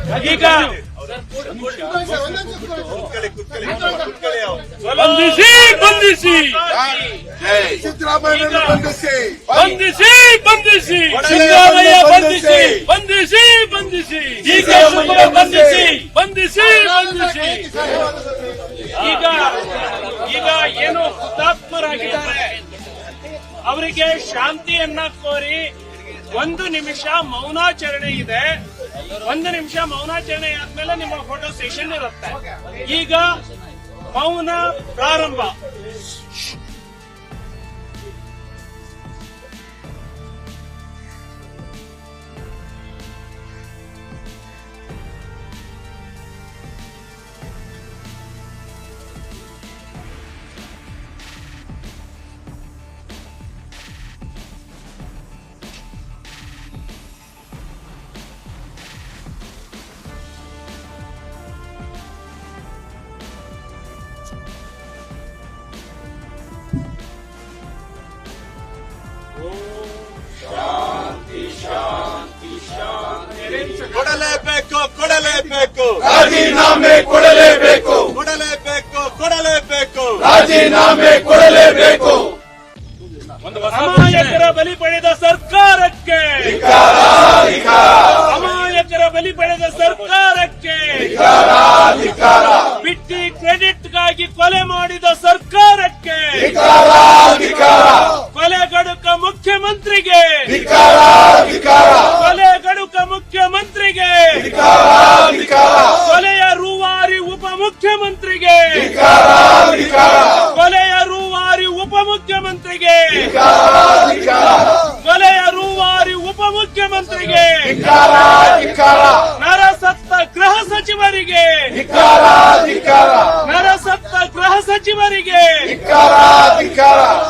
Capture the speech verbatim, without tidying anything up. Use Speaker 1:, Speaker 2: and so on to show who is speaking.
Speaker 1: ಈಗ ಬಂಧಿಸಿ ಬಂಧಿಸಿ
Speaker 2: ಸಿದ್ದರಾಮಯ್ಯ ಬಂಧಿಸಿ
Speaker 1: ಬಂಧಿಸಿ ಬಂಧಿಸಿ ಸಿದ್ದರಾಮಯ್ಯ ಬಂಧಿಸಿ ಬಂಧಿಸಿ ಬಂಧಿಸಿ ಈಗ ಬಂಧಿಸಿ ಬಂಧಿಸಿ ಬಂಧಿಸಿ ಈಗ ಈಗ ಏನು ಹುತಾತ್ಮರಾಗಿದ್ದಾರೆ ಅವರಿಗೆ ಶಾಂತಿಯನ್ನ ಕೋರಿ ಒಂದು ನಿಮಿಷ ಮೌನಾಚರಣೆ ಇದೆ. ಒಂದು ನಿಮಿಷ ಮೌನಾಚರಣೆ ಆದ್ಮೇಲೆ ನಿಮ್ಮ ಫೋಟೋ ಸೆಷನ್ ಇರುತ್ತೆ. ಈಗ ಮೌನ ಪ್ರಾರಂಭ.
Speaker 3: ಕೊಡಲೇಬೇಕು ಕೊಡಲೇಬೇಕು
Speaker 2: ರಾಜೀನಾಮೆ ಕೊಡಲೇಬೇಕು
Speaker 3: ಕೊಡಲೇಬೇಕು ಕೊಡಲೇಬೇಕು
Speaker 2: ರಾಜೀನಾಮೆ ಕೊಡಲೇಬೇಕು.
Speaker 1: ಅಮಾಯಕರ ಬಲಿ ಪಡೆದ ಸರ್ಕಾರಕ್ಕೆ
Speaker 2: ಧಿಕ್ಕಾರ, ಧಿಕ್ಕಾರ,
Speaker 1: ಅಮಾಯಕರ ಬಲಿ ಪಡೆದ ಸರ್ಕಾರಕ್ಕೆ
Speaker 2: ಧಿಕ್ಕಾರ, ಧಿಕ್ಕಾರ,
Speaker 1: ಬಿಟ್ಟಿ ಕ್ರೆಡಿಟ್ಗಾಗಿ ಕೊಲೆ ಮಾಡಿದ ಸರ್ಕಾರಕ್ಕೆ
Speaker 2: ಧಿಕ್ಕಾರ, ಧಿಕ್ಕಾರ,
Speaker 1: ಕೊಲೆಗಡುಕ ಮುಖ್ಯಮಂತ್ರಿಗೆ
Speaker 2: ಧಿಕ್ಕಾರ, ಧಿಕ್ಕಾರ,
Speaker 1: ಕೊಲೆಗಡುಕ ಮುಖ್ಯಮಂತ್ರಿಗೆ
Speaker 2: ಧಿಕ್ಕಾರ, ಧಿಕ್ಕಾರ,
Speaker 1: ಕೊಲೆಯ ರೂವಾರಿ ಉಪಮುಖ್ಯಮಂತ್ರಿಗೆ
Speaker 2: ಧಿಕ್ಕಾರ, ಧಿಕ್ಕಾರ,
Speaker 1: ಕೊಲೆಯ ರೂವಾರಿ ಉಪಮುಖ್ಯಮಂತ್ರಿಗೆ
Speaker 2: ಧಿಕ್ಕಾರ, ಧಿಕ್ಕಾರ,
Speaker 1: ಕೊಲೆಯ ರೂವಾರಿ ಉಪಮುಖ್ಯಮಂತ್ರಿಗೆ
Speaker 2: ಧಿಕ್ಕಾರ, ಧಿಕ್ಕಾರ,
Speaker 1: ನರಸತ್ತ ಗೃಹ ಸಚಿವರಿಗೆ
Speaker 2: ಧಿಕ್ಕಾರ, ಧಿಕ್ಕಾರ,
Speaker 1: ನರಸತ್ತ ಗೃಹ ಸಚಿವರಿಗೆ
Speaker 2: ಧಿಕ್ಕಾರ, ಧಿಕ್ಕಾರ,